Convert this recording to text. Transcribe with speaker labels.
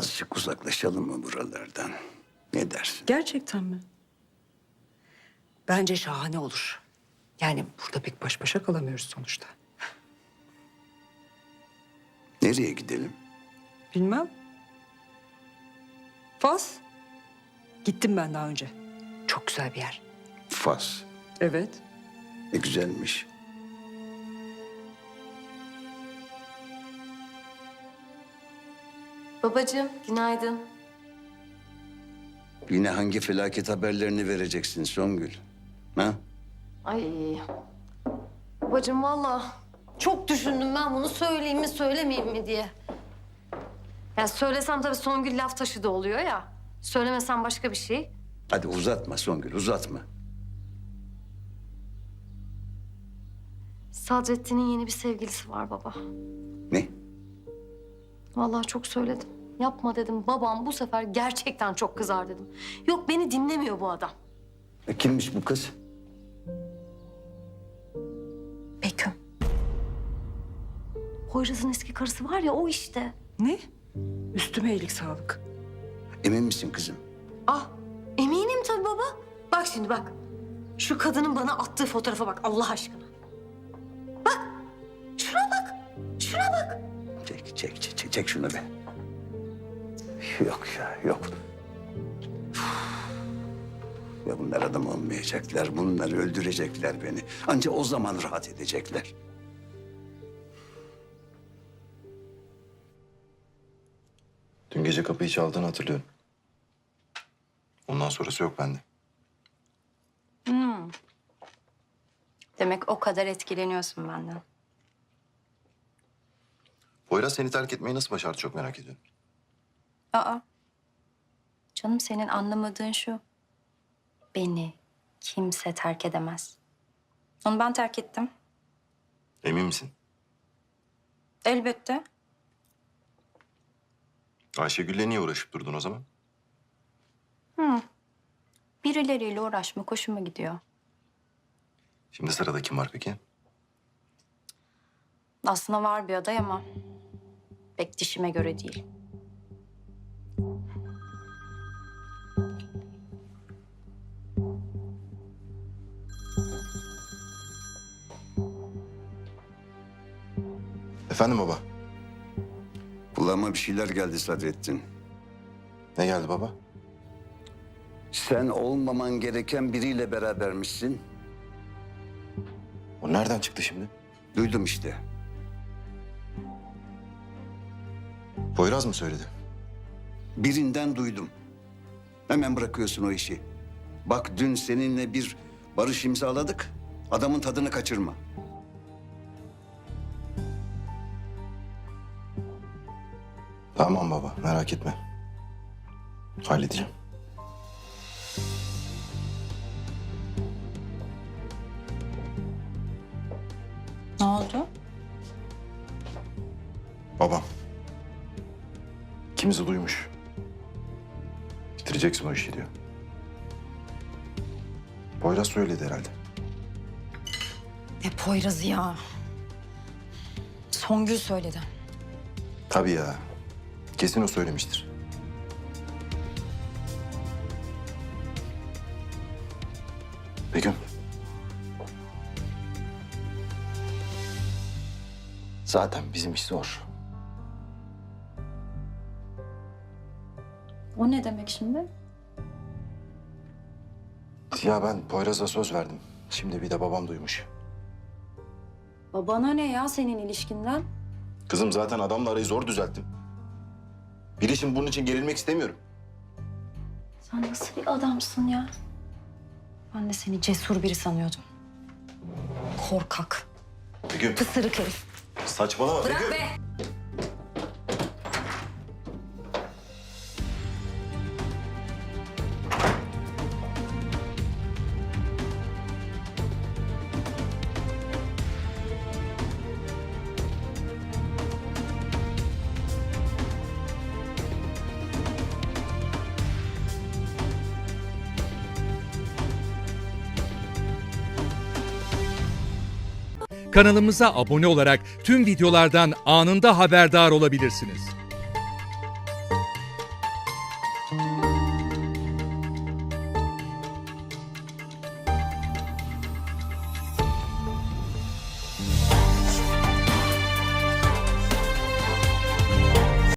Speaker 1: Azıcık uzaklaşalım mı buralardan? Ne dersin?
Speaker 2: Gerçekten mi? Bence şahane olur. Yani burada pek baş başa kalamıyoruz sonuçta.
Speaker 1: Nereye gidelim?
Speaker 2: Bilmem. Fas. Gittim ben daha önce. Çok güzel bir yer.
Speaker 1: Fas.
Speaker 2: Evet.
Speaker 1: Ne güzelmiş.
Speaker 3: Babacığım, günaydın.
Speaker 1: Yine hangi felaket haberlerini vereceksin Songül? Ha?
Speaker 3: Ay. Babacığım vallahi çok düşündüm ben bunu söyleyeyim mi söylemeyeyim mi diye. Ya söylesem tabii Songül laf taşı da oluyor ya. Söylemesem başka bir şey.
Speaker 1: Hadi uzatma Songül, uzatma.
Speaker 3: Sadrettin'in yeni bir sevgilisi var baba.
Speaker 1: Ne?
Speaker 3: Vallahi çok söyledim. Yapma dedim. Babam bu sefer gerçekten çok kızar dedim. Yok beni dinlemiyor bu adam.
Speaker 1: Kimmiş bu kız?
Speaker 3: Beküm. Poyraz'ın eski karısı var ya o işte.
Speaker 2: Ne? Üstüme iyilik sağlık.
Speaker 1: Emin misin kızım?
Speaker 3: Ah eminim tabii baba. Bak şimdi bak. Şu kadının bana attığı fotoğrafa bak Allah aşkına. Bak. Şuna bak. Şuna bak.
Speaker 1: Çek şunu be. Yok ya, yok. Ya bunlar adam olmayacaklar, bunlar öldürecekler beni. Anca o zaman rahat edecekler.
Speaker 4: Dün gece kapıyı çaldığını hatırlıyorum. Ondan sonrası yok bende.
Speaker 5: Demek o kadar etkileniyorsun benden.
Speaker 4: Poyraz seni terk etmeyi nasıl başardı çok merak ediyorum.
Speaker 5: Aa. Canım senin anlamadığın şu. Beni kimse terk edemez. Onu ben terk ettim.
Speaker 4: Emin misin?
Speaker 5: Elbette.
Speaker 4: Ayşegül'le niye uğraşıp durdun o zaman?
Speaker 5: Birileriyle uğraşmak hoşuma gidiyor.
Speaker 4: Şimdi sırada kim var peki?
Speaker 5: Aslında var bir aday ama pek dişime göre değil.
Speaker 4: Efendim baba?
Speaker 1: Kulağıma bir şeyler geldi Sadrettin.
Speaker 4: Ne geldi baba?
Speaker 1: Sen olmaman gereken biriyle berabermişsin.
Speaker 4: O nereden çıktı şimdi?
Speaker 1: Duydum işte.
Speaker 4: Poyraz mı söyledi?
Speaker 1: Birinden duydum. Hemen bırakıyorsun o işi. Bak dün seninle bir barış imzaladık. Adamın tadını kaçırma.
Speaker 4: Tamam baba, merak etme. Halledeceğim.
Speaker 5: Ne oldu?
Speaker 4: Babam. İkimizi duymuş. Bitireceksin o işi diyor. Poyraz söyledi herhalde.
Speaker 5: Ne Poyraz'ı ya. Songül söyledi.
Speaker 4: Tabii ya. Kesin o söylemiştir. Begüm. Zaten bizim iş zor.
Speaker 5: O ne demek şimdi?
Speaker 4: Ya ben Poyraz'a söz verdim. Şimdi bir de babam duymuş.
Speaker 5: Babana ne ya senin ilişkinden?
Speaker 4: Kızım zaten adamla arayı zor düzelttim. Bir işin bunun için gerilmek istemiyorum.
Speaker 5: Sen nasıl bir adamsın ya? Ben de seni cesur biri sanıyordum. Korkak,
Speaker 4: Begüm.
Speaker 5: pısırık herif.
Speaker 4: Saçmalama
Speaker 5: Bırak
Speaker 4: Begüm.
Speaker 5: be!
Speaker 6: Kanalımıza abone olarak tüm videolardan anında haberdar olabilirsiniz.